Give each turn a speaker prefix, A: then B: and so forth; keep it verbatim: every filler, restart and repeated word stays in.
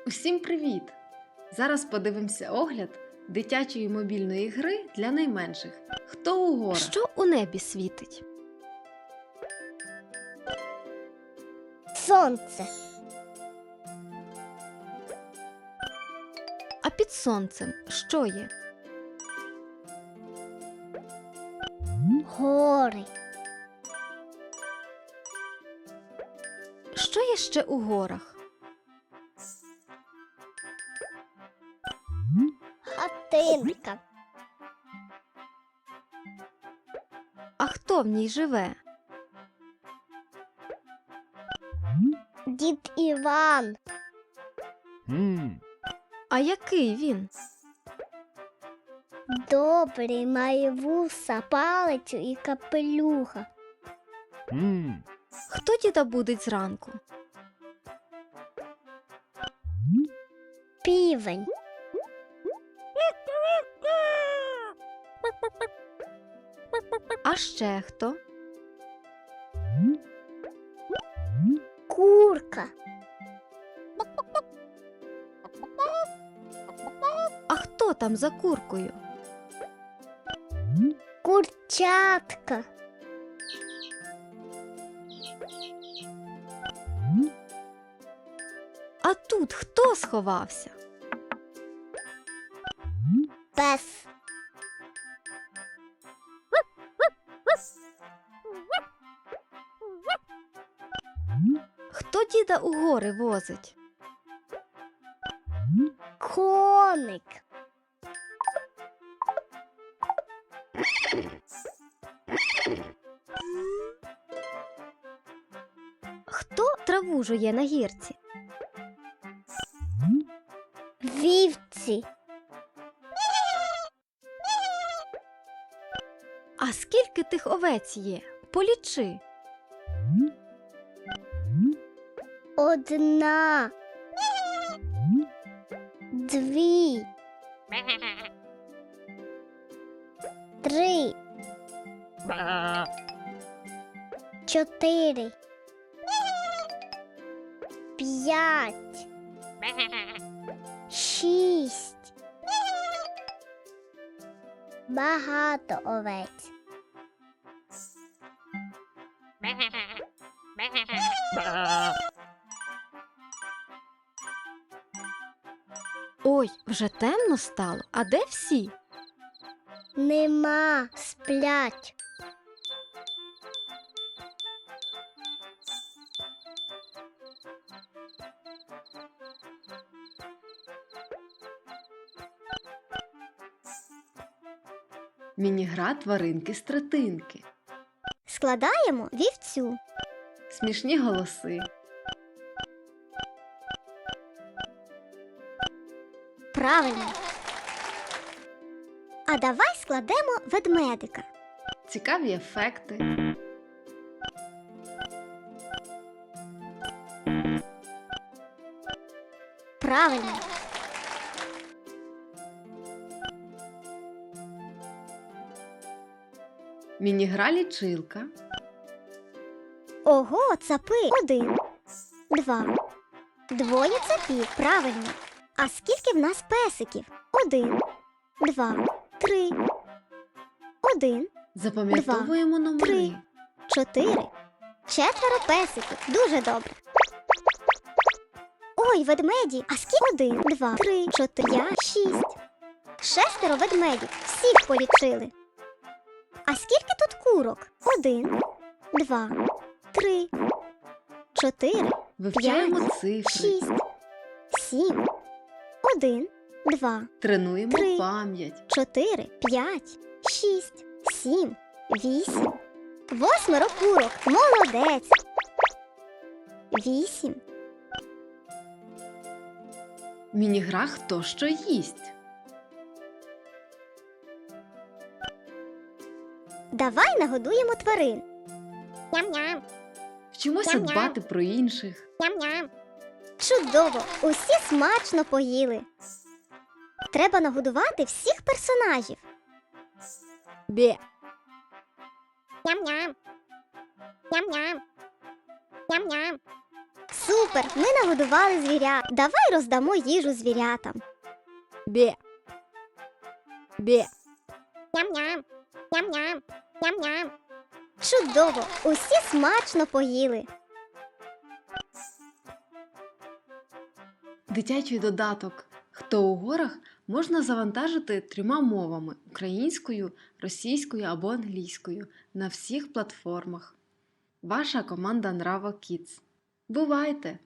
A: Усім привіт! Зараз подивимося огляд дитячої мобільної гри для найменших. Хто у горах?
B: Що у небі світить?
C: Сонце.
B: А під сонцем що є?
C: Гори.
B: Що є ще у горах?
C: Хатинка.
B: А хто в ній живе?
C: Дід Іван.
B: А який він?
C: Добрий, має вуса, палицю і капелюха.
B: Хто діда будить зранку?
C: Півень.
B: А ще хто?
C: Курка.
B: А хто там за куркою?
C: Курчатка.
B: А тут хто сховався?
C: Пес.
B: Хто діда у гори возить?
C: Коник.
B: Хто траву жує на гірці?
C: Вівці.
B: А скільки тих овець є? Полічи.
C: Одна. Дві. Три. Чотири. П'ять. Шість. Багато овець.
B: Ой, вже темно стало. А де всі?
C: Нема, сплять.
A: Міні-гра тваринки-стретинки.
C: Складаємо вівцю.
A: Смішні голоси.
C: Правильно. А давай складемо ведмедика.
A: Цікаві ефекти.
C: Правильно.
A: Міні-гра лічилка.
C: Ого, цапи. Один. Два. Двоє цапів. Правильно. А скільки в нас песиків? Один. Два. Три. Один.
A: Запам'ятовуємо номери.
C: три. Чотири. Четверо песиків. Дуже добре. Ой, ведмеді. А скільки? Один, два, три, чотири, п'ять, шість. Шестеро ведмедів. Всіх полічили. А скільки тут курок? Один, два, три, чотири,
A: Вивчаємо
C: п'ять,
A: цифри.
C: шість, сім. Один, два,
A: Тренуємо
C: три.
A: пам'ять.
C: чотири, п'ять, шість, сім, вісім. Восьмеро курок. Молодець. Вісім.
A: Міні-гра «Хто що їсть».
C: Давай нагодуємо тварин. Ням-ням.
A: Вчимося
C: Ням-ням.
A: дбати про інших.
C: Ням-ням. Чудово! Усі смачно поїли. Треба нагодувати всіх персонажів.
B: Бє.
C: Ням-ням. Ням-ням. Ням-ням. Супер! Ми нагодували звірят. Давай роздамо їжу звірятам.
B: Бє. Бє.
C: Ням-ням, ням-ням, ням-ням. Чудово! Усі смачно поїли.
A: Дитячий додаток «Хто у горах» можна завантажити трьома мовами – українською, російською або англійською на всіх платформах. Ваша команда Nravo Kids. Бувайте!